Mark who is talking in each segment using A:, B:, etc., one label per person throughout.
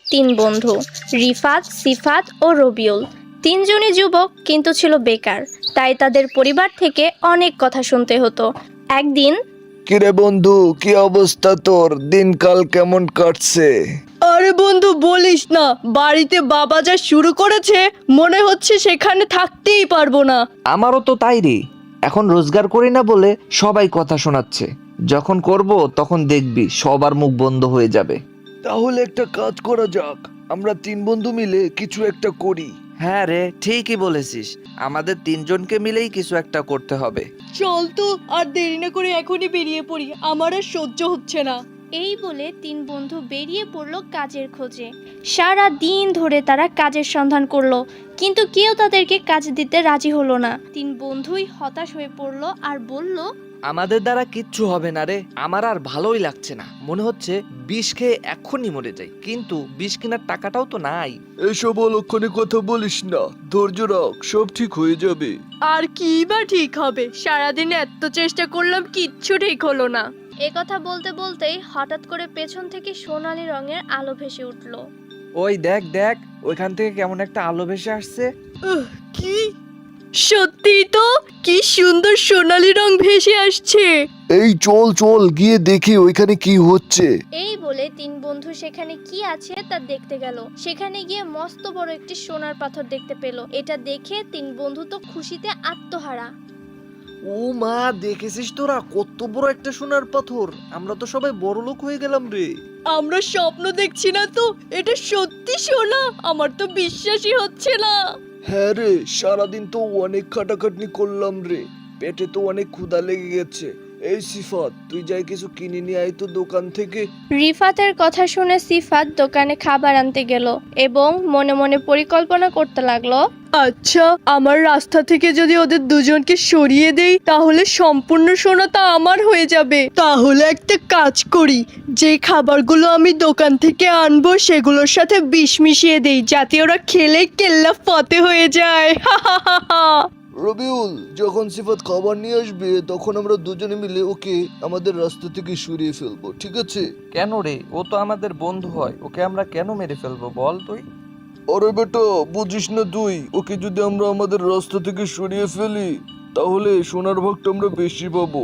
A: তিন বন্ধু, রিফাত, সিফাত ও রবিউল। তিনজনই যুবক কিন্তু ছিল বেকার, তাই তাদের পরিবার থেকে অনেক কথা শুনতে হতো। একদিন
B: কিরে বন্ধু, কি অবস্থা তোর? দিনকাল কেমন কাটছে?
C: আরে বন্ধু বলিস না, বাড়িতে বাবা যা শুরু করেছে মনে হচ্ছে সেখানে থাকতেই পারবো না।
D: আমারও তো তাই রে। এখন রোজগার করি না বলে সবাই কথা শোনাচ্ছে। যখন করব তখন দেখবি সবার মুখ বন্ধ হয়ে যাবে।
B: তাহলে একটা কাজ করা যাক, আমরা তিন বন্ধু মিলে কিছু একটা করি।
D: হ্যাঁ রে, ঠিকই বলেছিস। আমাদের তিনজনকে মিলেই কিছু একটা করতে হবে।
C: চল তো, আর দেরি না করে এখনই বেরিয়ে পড়ি, আমার আর সহ্য হচ্ছে না।
A: এই বলে তিন বন্ধু বেরিয়ে পড়লো কাজের খোঁজে। সারা দিন ধরে তারা কাজের সন্ধান করলো, কিন্তু কেউ তাদেরকে কাজ দিতে রাজি হলো না। তিন বন্ধুই হতাশ হয়ে পড়লো আর বলল,
D: আমাদের দ্বারা কিচ্ছু হবে না রে। আমার আর ভালোই লাগছে না, মনে হচ্ছে বিষ খেয়ে এখনই মরে যাই। কিন্তু বিষ কেনার টাকাটাও তো নাই।
B: এসব অলক্ষণে কথা বলিস না, ধৈর্য রাখ, সব ঠিক হয়ে যাবে।
C: আর কি বা ঠিক হবে, সারাদিন এত চেষ্টা করলাম কিচ্ছু ঠিক হলো না।
A: একথা বলতে বলতেই হঠাৎ করে পেছন থেকে সোনালী রঙের আলো ভেসে উঠলো।
D: ওই দেখ দেখ, ওইখান থেকে কেমন একটা আলো ভেসে আসছে।
C: কি সত্যি তো, কি সুন্দর সোনালী রং ভেসে আসছে।
B: এই চল চল গিয়ে দেখি ওইখানে কি হচ্ছে।
A: এই বলে তিন বন্ধু সেখানে কি আছে তা দেখতে গেল। সেখানে গিয়ে মস্ত বড় একটি সোনার পাথর দেখতে পেল। এটা দেখে তিন বন্ধু তো খুশিতে আত্মহারা।
D: ও মা, দেখেছিস তোরা কত বড় একটা সোনার পাথর? আমরা তো সবাই বড় লোক হয়ে গেলাম রে।
C: আমরা স্বপ্ন দেখছি না তো, এটা সত্যি সোনা, আমার তো বিশ্বাসই হচ্ছে না।
B: হ্যাঁ রে, সারাদিন তো অনেক খাটাখাটনি করলাম রে, পেটে তো অনেক ক্ষুধা লেগে গেছে। এই সিফাত, তুই যাই কিছু কিনে নিয়ে আয় তো দোকান থেকে।
A: রিফাতের কথা শুনে সিফাত দোকানে খাবার আনতে গেল এবং মনে মনে পরিকল্পনা করতে লাগলো,
C: আচ্ছা, আমার রাস্তা থেকে যদি ওদের দুজনকে সরিয়ে দেই তাহলে সম্পূর্ণ সোনাটা আমার হয়ে যাবে। তাহলে একটা কাজ করি, যে খাবারগুলো আমি দোকান থেকে আনবো সেগুলোর সাথে বিষ মিশিয়ে দেই, যাতে ওরা খেলে কেল্লা ফতে হয়ে যায়।
B: রবিউল, যখন সিফাত খাবার নিয়ে আসবে তখন আমরা দুজনে মিলে ওকে আমাদের রাস্তা থেকে সরিয়ে ফেলবো, ঠিক আছে?
D: কেন রে? ও তো আমাদের বন্ধু হয়, ওকে আমরা কেন মেরে ফেলবো বল তুই?
B: আরে বেটা, বুঝিস না তুই? ওকে যদি আমরা আমাদের রাস্তা থেকে সরিয়ে ফেলি তাহলে সোনার ভাগটা আমরা বেশি পাবো।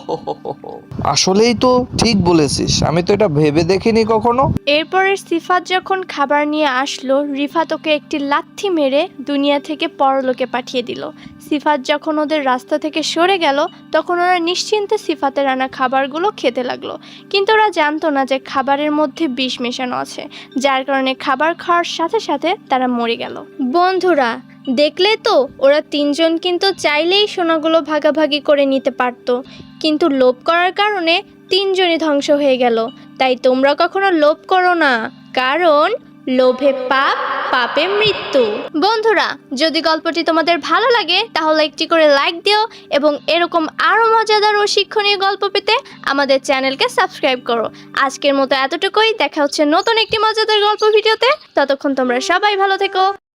D: আসলেই তো ঠিক বলেছিস, আমি তো এটা ভেবে দেখিনি কখনো।
A: এরপরে সিফাত যখন খাবার নিয়ে আসলো, রিফাত ওকে একটি লাথি মেরে দুনিয়া থেকে পরলোকে পাঠিয়ে দিল। সিফাত যখন ওদের রাস্তা থেকে সরে গেল তখন ওরা নিশ্চিন্তে সিফাতের আনা খাবারগুলো খেতে লাগলো, কিন্তু ওরা জানতো না যে খাবারের মধ্যে বিষ মেশানো আছে, যার কারণে খাবার খাওয়ার সাথে সাথে তারা মরে গেল। বন্ধুরা, দেখলে তো, ওরা তিনজন কিন্তু চাইলেই সোনাগুলো ভাগাভাগি করে নিতে পারতো, কিন্তু লোভ করার কারণে তিনজনই ধ্বংস হয়ে গেল। তাই তোমরা কখনো লোভ করো না, কারণ লোভে পাপ, পাপে মৃত্যু। বন্ধুরা, যদি গল্পটি তোমাদের ভালো লাগে তাহলে একটি করে লাইক দিও এবং এরকম আরো মজাদার ও শিক্ষণীয় গল্প পেতে আমাদের চ্যানেলকে সাবস্ক্রাইব করো। আজকের মতো এতটুকুই, দেখা হচ্ছে নতুন একটি মজাদার গল্প ভিডিওতে। ততক্ষণ তোমরা সবাই ভালো থেকো।